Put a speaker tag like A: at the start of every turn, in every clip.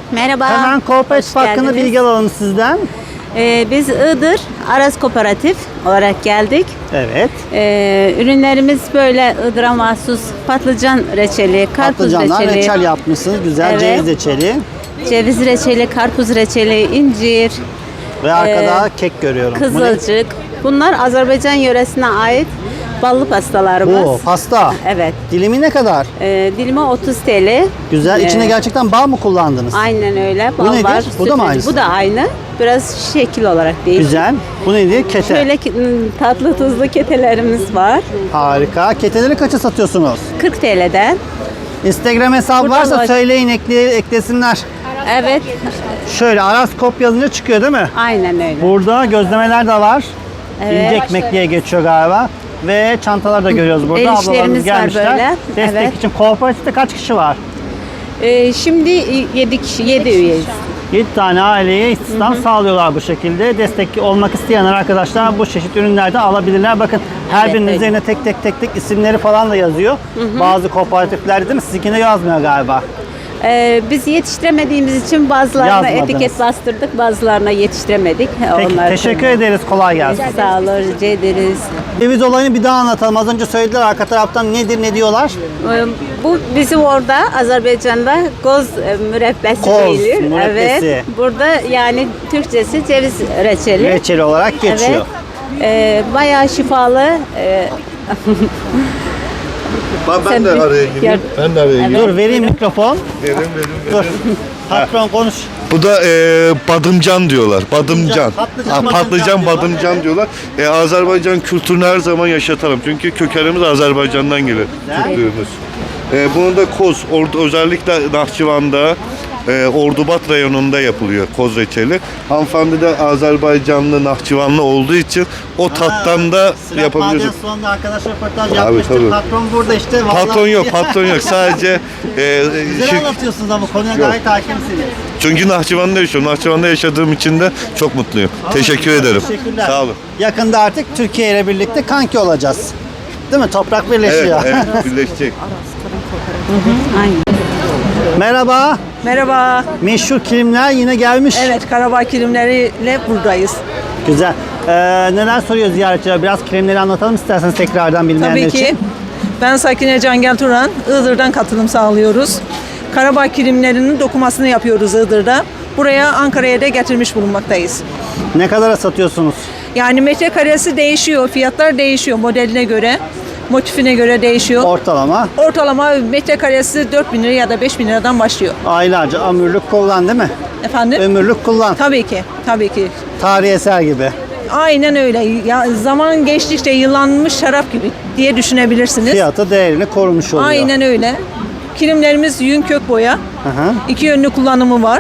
A: Merhaba.
B: Hemen kooperatif hakkında bilgi alalım sizden.
A: Biz Iğdır Aras Kooperatif olarak geldik.
B: Evet.
A: Ürünlerimiz böyle Iğdır'a mahsus patlıcan reçeli, karpuz
B: Patlıcanlar
A: reçeli,
B: reçel yapmışsınız. Güzel
A: Evet.
B: ceviz reçeli.
A: ceviz reçeli, karpuz reçeli, incir,
B: Ve arkada kek görüyorum. Bu ne?
A: kızılcık. Bunlar Azerbaycan yöresine ait ballı pastalarımız.
B: Bu pasta.
A: Evet.
B: Dilimi ne kadar?
A: Dilimi 30 TL.
B: Güzel. İçine gerçekten bal mı kullandınız?
A: Aynen öyle.
B: Bu
A: Bal
B: nedir?
A: var,
B: Bu da mı
A: süt-
B: aynısı?
A: Bu da aynı. Biraz şekil olarak değil.
B: Güzel. Bu neydi? Kete.
A: Şöyle tatlı tuzlu ketelerimiz var.
B: Harika. Keteleri kaça satıyorsunuz?
A: 40 TL'den.
B: Instagram hesabı
A: Buradan
B: varsa
A: var.
B: söyleyin, eklesinler.
A: Evet.
B: Şöyle Araskop yazınca çıkıyor değil mi?
A: Aynen öyle.
B: Burada gözlemeler de var.
A: Evet.
B: İnce ekmek diye geçiyor galiba. Ve çantalar da görüyoruz burada.
A: El
B: Ablalarımız
A: işlerimiz var
B: gelmişler.
A: böyle.
B: Destek
A: Evet.
B: için. Kooperatifte kaç kişi var?
A: Şimdi 7 kişi, 7 üyeyiz.
B: 7 tane aileye istihdam sağlıyorlar bu şekilde. Destek olmak isteyenler arkadaşlar bu çeşit ürünlerden alabilirler. Bakın her birinin
A: evet.
B: üzerine tek tek isimleri falan da yazıyor. Bazı kooperatiflerde değil mi? Sizinkinde yazmıyor galiba.
A: Biz yetiştiremediğimiz için bazılarına
B: Yazmadınız.
A: etiket bastırdık, bazılarına yetiştiremedik.
B: Peki teşekkür ederiz. Kolay gelsin.
A: Sağ olun, rica ederiz.
B: Ceviz olayını bir daha anlatalım. Az önce söylediler arka taraftan nedir ne diyorlar?
A: Bu bizim orada Azerbaycan'da koz mürebbesi
B: Koz
A: deniliyor.
B: mürebbesi.
A: Evet. Burada yani Türkçesi ceviz reçeli.
B: Reçeli olarak geçiyor.
A: Evet. Bayağı şifalı.
C: Ben de araya gireyim. Ben de araya gireyim.
B: Dur vereyim mikrofon.
C: Verin.
B: Dur. Patron konuş.
C: Bu da badımcan diyorlar. Badımcan.
B: Patlıcan,
C: Patlıcan badımcan diyorlar. Azerbaycan kültürünü her zaman yaşatalım. Çünkü kökenimiz Azerbaycan'dan gelir. Türklüğümüz. Bunu da koz, özellikle Nahçıvan'da, Ordubat rayonunda yapılıyor koz reçeli. Hanımefendi de Azerbaycanlı, Nahçıvanlı olduğu için o tattan da yapabiliyoruz.
B: Maden sonunda arkadaş röportaj
C: Tabii,
B: yapmıştık.
C: tabii.
B: Patron burada işte. Vallahi
C: Patron yok. Sadece
B: Güzel anlatıyorsunuz ama konuya gayet hakimsiniz.
C: çünkü Nahçıvan'da yaşıyorum. Nahçıvan'da yaşadığım için de çok mutluyum. Teşekkür ederim.
B: Teşekkürler.
C: Sağ olun.
B: Yakında artık Türkiye ile birlikte kanki olacağız. Değil mi? Toprak birleşiyor.
C: Evet, birleşecek.
A: Aynen.
B: Merhaba.
D: Merhaba.
B: Meşhur kilimler yine gelmiş.
D: Evet, Karabağ kilimleriyle buradayız.
B: Güzel. Neler soruyor ziyaretçiler? Biraz kilimleri anlatalım isterseniz tekrardan bilmeyenler
D: Tabii ki.
B: için.
D: Ben Sakine Cangel Turan. Iğdır'dan katılım sağlıyoruz. Karabağ kilimlerinin dokumasını yapıyoruz Iğdır'da. Buraya Ankara'ya da getirmiş bulunmaktayız.
B: Ne kadara satıyorsunuz?
D: Yani metrekaresi değişiyor, fiyatlar değişiyor modeline göre, motifine göre değişiyor.
B: Ortalama.
D: Ortalama metrekaresi 4.000 lira ya da 5.000 liradan başlıyor.
B: Aylarca ömürlük kullan değil mi?
D: Efendim?
B: Ömürlük kullan.
D: Tabii ki, tabii ki.
B: Tarihi eser gibi.
D: Aynen öyle. Ya, zaman geçtikçe yıllanmış şarap gibi diye düşünebilirsiniz.
B: Fiyatı değerini korumuş oluyor.
D: Aynen öyle. Kilimlerimiz yün kök boya.
B: Hı hı.
D: İki yönlü kullanımı var.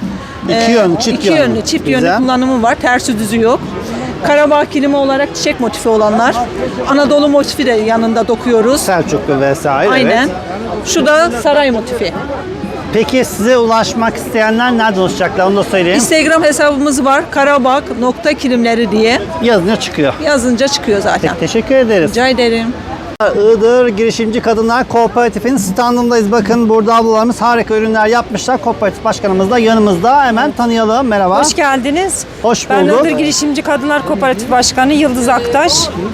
B: İki yönlü, çift
D: İki
B: yönlü.
D: yönlü, çift
B: Güzel.
D: yönlü kullanımı var. Tersi düzü yok. Karabağ kilimi olarak çiçek motifi olanlar. Anadolu motifi de yanında dokuyoruz.
B: Selçuklu vesaire.
D: Aynen.
B: Evet.
D: Şu da saray motifi.
B: Peki size ulaşmak isteyenler nereden ulaşacaklar onu da söyleyeyim.
D: Instagram hesabımız var. Karabağ.kilimleri diye.
B: Yazınca çıkıyor.
D: Yazınca çıkıyor zaten.
B: Teşekkür ederiz.
D: Rica ederim.
B: Iğdır Girişimci Kadınlar Kooperatif'in standındayız. Bakın burada ablalarımız harika ürünler yapmışlar. Kooperatif başkanımız da yanımızda. Hemen tanıyalım. Merhaba.
E: Hoş geldiniz.
B: Hoş
E: Ben
B: bulduk.
E: Iğdır Girişimci Kadınlar Kooperatif Başkanı Yıldız Aktaş.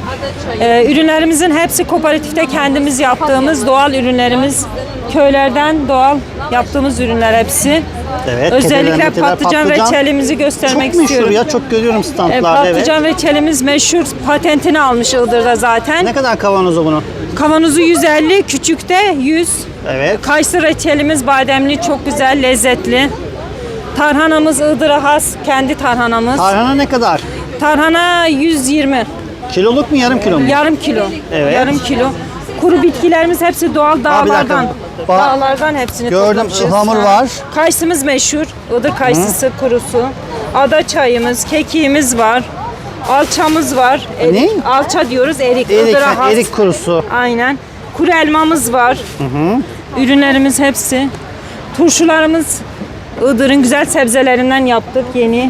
E: Ürünlerimizin hepsi kooperatifte kendimiz yaptığımız doğal ürünlerimiz. Köylerden doğal yaptığımız ürünler hepsi.
B: Evet,
E: Özellikle
B: keteler, meteler,
E: patlıcan reçelimizi göstermek
B: çok meşhur
E: istiyorum.
B: ya. Çok görüyorum standlarda.
E: Patlıcan reçelimiz meşhur. Patentini almış Iğdır'da zaten.
B: Ne kadar kavanozu bunun?
E: Kavanozu 150, küçükte 100.
B: Evet.
E: Kayısı reçelimiz bademli, çok güzel, lezzetli. Tarhanamız Iğdır'a has, kendi tarhanamız.
B: Tarhana ne kadar?
E: Tarhana 120.
B: Kiloluk mu yarım kilo mu?
E: Yarım kilo.
B: Evet.
E: Yarım kilo. Kuru bitkilerimiz hepsi doğal
B: bir
E: dağlardan.
B: dakika.
E: Dağlardan hepsini
B: Gördüm,
E: toplamışız.
B: ıhlamur
E: Ha.
B: var.
E: Kayısımız meşhur. Iğdır kayısısı kurusu. Ada çayımız, kekiğimiz var. Alçamız var.
B: Ne?
E: Alça diyoruz, erik.
B: Erik,
E: Iğdır'a has.
B: erik kurusu.
E: Aynen. Kuru elmamız var. Ürünlerimiz hepsi. Turşularımız Iğdır'ın güzel sebzelerinden yaptık yeni.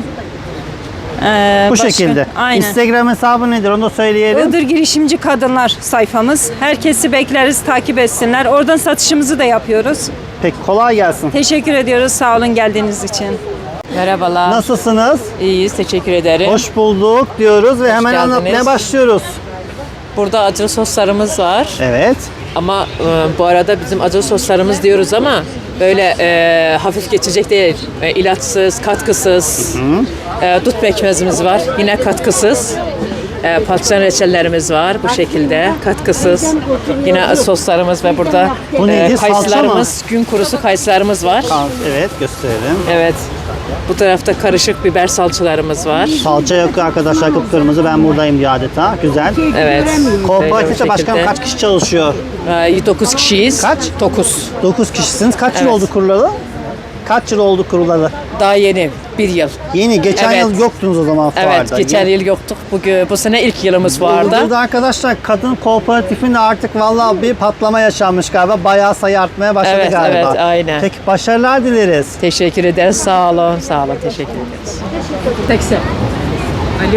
B: Bu şekilde.
E: Aynen.
B: Instagram hesabı nedir onu da söyleyelim.
E: Iğdır Girişimci Kadınlar sayfamız. Herkesi bekleriz, takip etsinler. Oradan satışımızı da yapıyoruz.
B: Peki kolay gelsin.
E: Teşekkür ediyoruz sağ olun geldiğiniz için.
F: Merhabalar.
B: Nasılsınız?
F: İyiyiz, teşekkür ederim.
B: Hoş bulduk diyoruz ve hemen
F: geldiniz.
B: anlatmaya başlıyoruz.
F: Burada acılı soslarımız var.
B: Evet.
F: Ama bu arada bizim acılı soslarımız diyoruz ama böyle hafif geçecek değil. İlaçsız, katkısız. Dut pekmezimiz var, yine katkısız. Patlıcan reçellerimiz var bu şekilde, katkısız. Yine soslarımız ve burada
B: Bu neydi? Salça mı?
F: kayısılarımız, gün kurusu kayısılarımız var.
B: Evet, gösterelim.
F: Evet. Bu tarafta karışık biber salçalarımız var.
B: Salça yok arkadaşlar, kıpkırmızı. Ben buradayım diyor adeta. Güzel.
F: Evet.
B: Kooperatifte başkanım kaç kişi çalışıyor?
F: 9 kişiyiz.
B: Kaç?
F: 9.
B: 9 kişisiniz. Kaç yıl
F: Evet.
B: oldu kurulalı? Kaç yıl oldu kurulalı?
F: Daha yeni. 1 yıl.
B: Yeni. Geçen
F: Evet.
B: yıl yoktunuz o zaman fuarda.
F: Evet, geçen yıl yoktuk. Bu sene ilk yılımız vardı.
B: Burada arkadaşlar kadın kooperatifinde artık vallahi bir patlama yaşanmış galiba. Bayağı sayı artmaya başladı
F: Evet,
B: galiba.
F: evet, aynen.
B: Peki başarılar dileriz.
F: Teşekkür ederiz. Sağ olun. Sağ olun. Teşekkür ederiz. Tekse. Alo.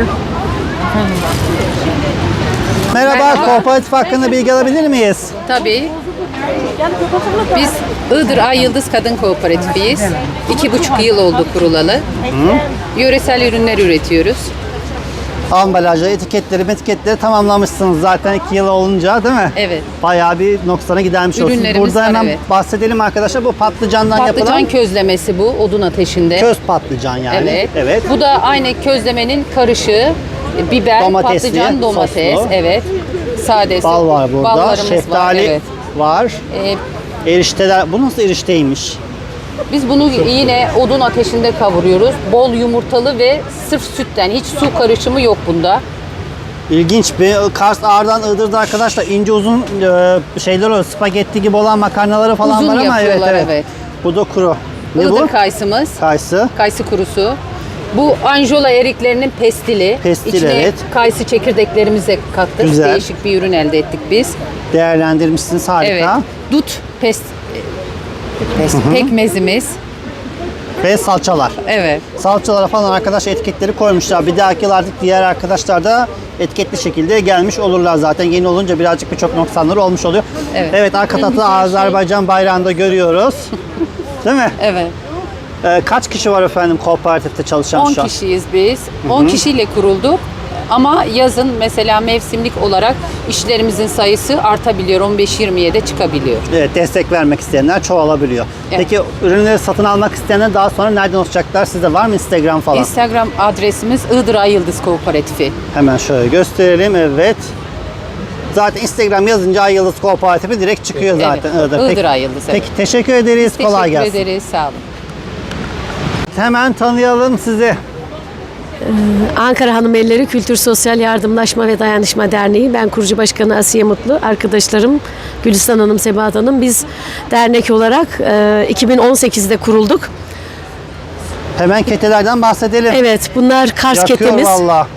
B: Merhaba, kooperatif hakkında bilgi alabilir miyiz?
G: Tabii. Biz Iğdır Ay Yıldız Kadın Kooperatifiyiz. 2,5 yıl oldu kurulalı. Yöresel ürünler üretiyoruz.
B: Ambalajları, etiketleri tamamlamışsınız zaten 2 yıl olunca değil mi?
G: Evet.
B: Bayağı bir noksana gidermiş olsun.
G: Ürünlerimiz
B: Burada
G: var,
B: hemen
G: evet.
B: bahsedelim arkadaşlar. Bu patlıcandan
G: Patlıcan
B: yapılan
G: közlemesi bu, odun ateşinde.
B: köz patlıcan yani.
G: Evet. Bu da aynı közlemenin karışığı. Biber,
B: Domatesli,
G: patlıcan, domates.
B: soslu.
G: Evet. Sadesi.
B: Bal var burada.
G: Ballarımız
B: Şeftali
G: var. Evet.
B: var. Erişteler. Bu nasıl erişteymiş?
G: Biz bunu yine odun ateşinde kavuruyoruz. Bol yumurtalı ve sırf sütten. Hiç su karışımı yok bunda.
B: İlginç bir Kars Ağrı'dan Iğdır'da arkadaşlar ince uzun şeyler oluyor. Spagetti gibi olan makarnaları falan
G: Uzun
B: var ama
G: yapıyorlar,
B: evet.
G: evet.
B: Bu da kuru. Ne
G: Iğdır
B: bu?
G: kayısımız.
B: Kayısı.
G: Kayısı kurusu. Bu Anjola eriklerinin pestili.
B: Pestil,
G: İçine
B: evet.
G: kayısı çekirdeklerimizi de kattık.
B: Güzel.
G: Değişik bir ürün elde ettik biz.
B: Değerlendirmişsiniz, harika.
G: Evet. Dut pekmezimiz.
B: Ve salçalar.
G: Evet.
B: Salçalara falan arkadaş etiketleri koymuşlar. Bir dahaki yıl artık diğer arkadaşlar da etiketli şekilde gelmiş olurlar zaten. Yeni olunca birazcık birçok noksanları olmuş oluyor.
G: Evet.
B: Arka tarafta Azerbaycan bayrağını da görüyoruz. Değil mi?
G: Evet.
B: Kaç kişi var efendim kooperatifte çalışan
G: 10
B: şu an?
G: kişiyiz biz. 10 kişiyle kurulduk. Ama yazın mesela mevsimlik olarak işlerimizin sayısı artabiliyor. 15-20'ye de çıkabiliyor.
B: Evet, destek vermek isteyenler çoğalabiliyor.
G: Evet.
B: Peki ürünleri satın almak isteyenler daha sonra nereden ulaşacaklar? Sizde var mı Instagram falan?
G: Instagram adresimiz Iğdır Ay Yıldız Kooperatifi.
B: Hemen şöyle gösterelim. Evet. Zaten Instagram yazınca Ay Yıldız Kooperatifi direkt çıkıyor zaten.
G: Evet.
B: Iğdır.
G: Iğdır Ay Yıldız, evet.
B: Peki teşekkür ederiz. Kolay gelsin.
G: Teşekkür ederiz. Sağ olun.
B: Hemen tanıyalım sizi.
H: Ankara Hanımelleri Kültür Sosyal Yardımlaşma ve Dayanışma Derneği. Ben kurucu başkanı Asiye Mutlu. Arkadaşlarım Gülistan Hanım, Sebahat Hanım. Biz dernek olarak 2018'de kurulduk.
B: Hemen ketelerden bahsedelim.
H: Evet, bunlar Kars
B: Yakıyor
H: ketemiz.
B: valla.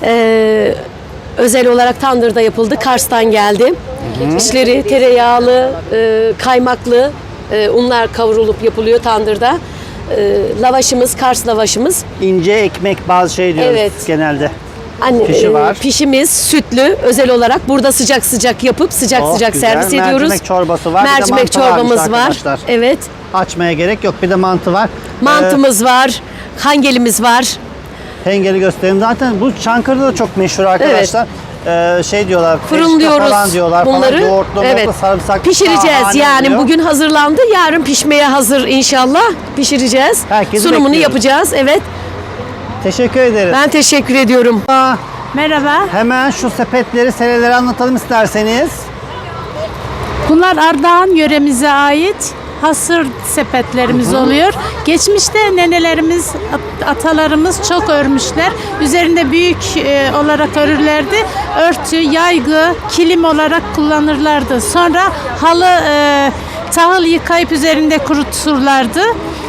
H: Özel olarak tandırda yapıldı. Kars'tan geldi. İçleri tereyağlı, kaymaklı unlar kavrulup yapılıyor tandırda. Lavaşımız, Kars lavaşımız.
B: İnce ekmek bazı şey diyoruz
H: Evet.
B: genelde.
H: Anne,
B: var.
H: Pişimiz sütlü özel olarak burada sıcak sıcak yapıp sıcak
B: Oh,
H: sıcak
B: güzel.
H: servis ediyoruz.
B: Mercimek çorbası var. Bir de
H: Mercimek
B: mantı varmış
H: çorbamız var.
B: arkadaşlar.
H: Evet.
B: Açmaya gerek yok. Bir de mantı var.
H: Mantımız var. Hangelimiz var.
B: Hengeli göstereyim. Zaten bu Çankırı'da da çok meşhur arkadaşlar. Şey diyorlar.
H: Fırınlıyoruz
B: peşte falan diyorlar
H: bunları.
B: Falan. Yoğurtlu,
H: Evet.
B: yoğurtlu, sarımsak.
H: Pişireceğiz.
B: şahane
H: Yani
B: oluyor.
H: bugün hazırlandı. Yarın pişmeye hazır inşallah. Pişireceğiz.
B: Herkesi
H: Sunumunu
B: bekliyoruz.
H: yapacağız. Evet.
B: Teşekkür ederiz.
H: Ben teşekkür ediyorum.
I: Merhaba.
B: Hemen şu sepetleri, seneleri anlatalım isterseniz.
I: Bunlar Ardahan yöremize ait hasır sepetlerimiz oluyor. Geçmişte nenelerimiz, atalarımız çok örmüşler. Üzerinde büyük olarak örürlerdi. Örtü, yaygı, kilim olarak kullanırlardı. Sonra halı, tahıl yıkayıp üzerinde kuruturlardı.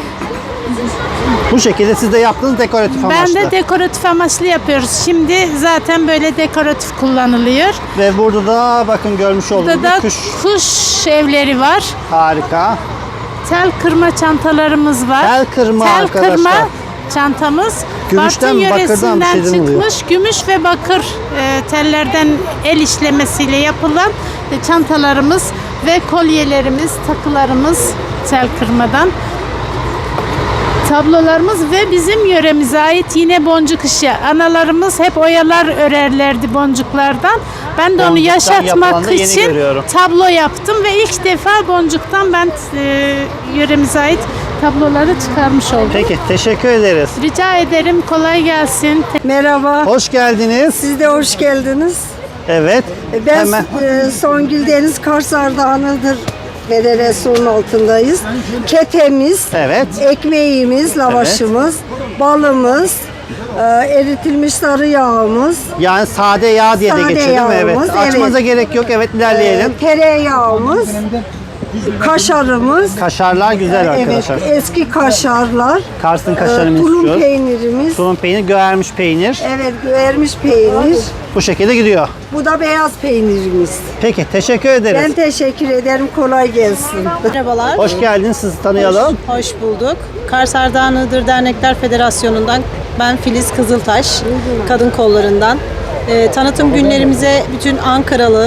B: Bu şekilde siz de yaptığınız dekoratif amaçlı.
I: Ben de dekoratif amaçlı yapıyoruz. Şimdi zaten böyle dekoratif kullanılıyor.
B: Ve burada da bakın görmüş olduğunuz
I: Burada da
B: kuş.
I: kuş evleri var.
B: Harika.
I: Tel kırma çantalarımız var.
B: Tel kırma
I: Tel
B: arkadaşlar.
I: kırma çantamız.
B: Gümüşten mi,
I: Bartın
B: bakırdan bir
I: yöresinden
B: şeyden oluyor?
I: çıkmış gümüş ve bakır tellerden el işlemesiyle yapılan çantalarımız. ve kolyelerimiz, takılarımız tel kırmadan. Tablolarımız ve bizim yöremize ait yine boncuk işi. Analarımız hep oyalar örerlerdi boncuklardan. Ben de onu
B: Boncuktan
I: yaşatmak
B: yapılanı yeni
I: için
B: görüyorum.
I: tablo yaptım ve ilk defa boncuktan ben yöremize ait tabloları çıkarmış oldum.
B: Peki, teşekkür ederiz.
I: Rica ederim, kolay gelsin.
J: Merhaba,
B: Hoş geldiniz.
J: siz de hoş geldiniz.
B: Evet.
J: Ben
B: Hemen.
J: Songül Deniz Kars Ardahanı'dır. Federasyonun altındayız. Ketemiz,
B: Evet.
J: ekmeğimiz, lavaşımız, balımız, eritilmiş sarı yağımız,
B: Yani sade yağ diye de
J: Sade
B: geçiyor değil mi? Evet.
J: yağımız,
B: Açmanıza
J: evet.
B: gerek yok. Evet, ilerleyelim.
J: tereyağımız, kaşarımız,
B: Kaşarlar güzel
J: evet,
B: arkadaşlar.
J: eski kaşarlar,
B: Kars'ın kaşarını
J: tulum
B: istiyoruz.
J: peynirimiz,
B: Tulum peynir, göğermiş peynir.
J: evet, göğermiş peynir,
B: Bu şekilde gidiyor.
J: bu da beyaz peynirimiz.
B: Peki, teşekkür ederiz.
J: Ben teşekkür ederim, kolay gelsin.
A: Merhabalar.
B: Hoş geldiniz. Sizi tanıyalım.
A: Hoş bulduk. Kars Ardahan Iğdır Dernekler Federasyonu'ndan ben Filiz Kızıltaş, kadın kollarından. Tanıtım günlerimize bütün Ankaralı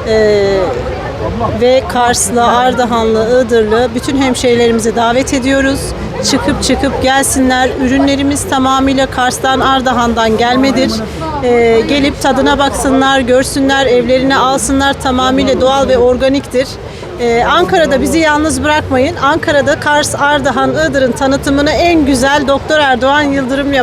A: ve Karslı, Ardahanlı, Iğdırlı bütün hemşehrilerimizi davet ediyoruz. Çıkıp gelsinler. Ürünlerimiz tamamıyla Kars'tan, Ardahan'dan gelmedir. Gelip tadına baksınlar, görsünler, evlerine alsınlar. Tamamıyla doğal ve organiktir. Ankara'da bizi yalnız bırakmayın. Ankara'da Kars, Ardahan, Iğdır'ın tanıtımını en güzel Doktor Erdoğan Yıldırım yapıyor.